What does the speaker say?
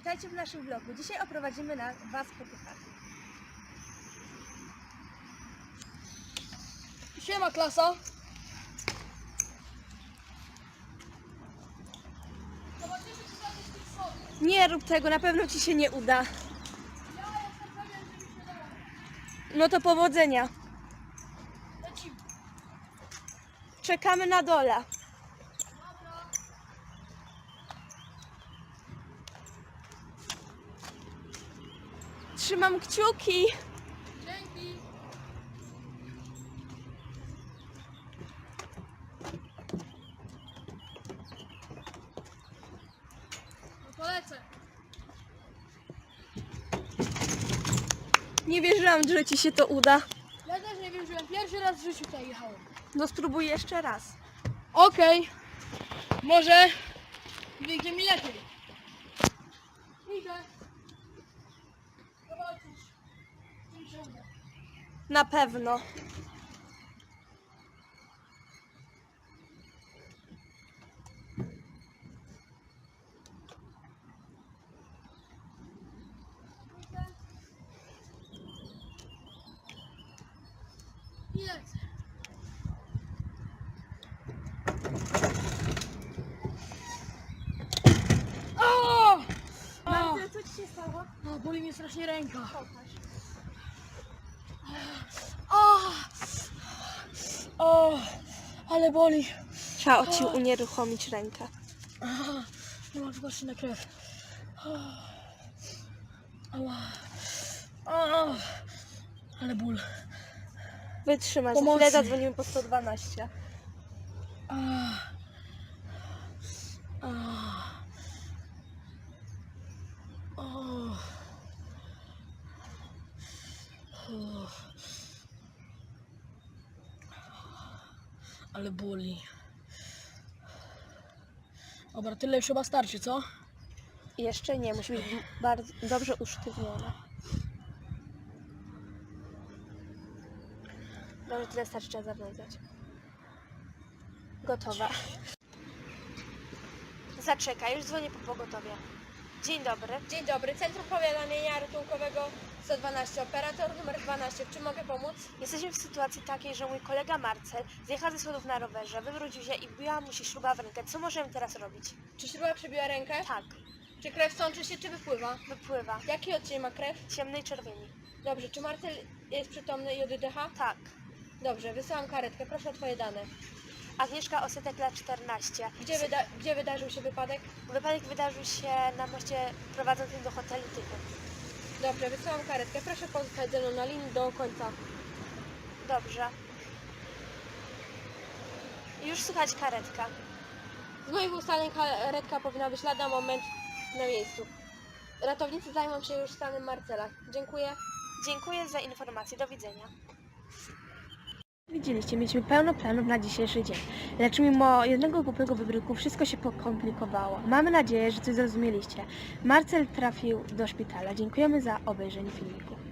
Witajcie w naszym vlogu. Dzisiaj oprowadzimy Was po Puchach. Siema klasa! Nie rób tego, na pewno Ci się nie uda. No to powodzenia. Czekamy na dole. Trzymam kciuki. Dzięki! No polecę! Nie wierzyłam, że Ci się to uda. Ja też nie wierzyłem, pierwszy raz w życiu tutaj jechałem. No spróbuj jeszcze raz. Okej. Może wyjdzie mi lepiej. Idę. Zobaczysz. Co mi się uda. Na pewno. I lecę. O! Marcel, co Ci się stało? O, boli mnie strasznie ręka. Pokaż. O, ale boli. Trzeba Ci unieruchomić rękę. Nie mam zobaczyć na krew. Ała. O, ale ból. Wytrzymaj, za Pomocy. chwilę zadzwonimy po 112. Ale boli. Dobra, tyle już chyba starczy, co? Jeszcze nie, musi być bardzo dobrze usztywniona. Dobrze, tyle starczy, trzeba zawiązać. Gotowa. Zaczekaj, już dzwonię po pogotowie. Dzień dobry. Dzień dobry, Centrum Powiadamiania Ratunkowego 112, operator numer 12. W czym mogę pomóc? Jesteśmy w sytuacji takiej, że mój kolega Marcel zjechał ze schodów na rowerze, wywrócił się i wbiła mu się śruba w rękę. Co możemy teraz robić? Czy śruba przebiła rękę? Tak, Czy krew sączy się, czy wypływa? wypływa. Jaki odcień ma krew? Ciemnej czerwieni. Dobrze, czy Marcel jest przytomny i oddycha? Tak. Dobrze, wysyłam karetkę, proszę o Twoje dane. Agnieszka Osetek, lat 14. Gdzie wydarzył się wypadek? Wypadek wydarzył się na moście prowadzącym do hotelu Tychy. Dobrze, wysyłam karetkę, proszę pozostać ze mną na linii do końca. Dobrze. Już słychać karetka. Z moich ustaleń karetka powinna być lada moment na miejscu. Ratownicy zajmą się już stanem Marcela. Dziękuję. Dziękuję za informację. Do widzenia. Widzieliście, mieliśmy pełno planów na dzisiejszy dzień. Lecz mimo jednego głupego wybryku wszystko się pokomplikowało. Mamy nadzieję, że coś zrozumieliście. Marcel trafił do szpitala. Dziękujemy za obejrzenie filmiku.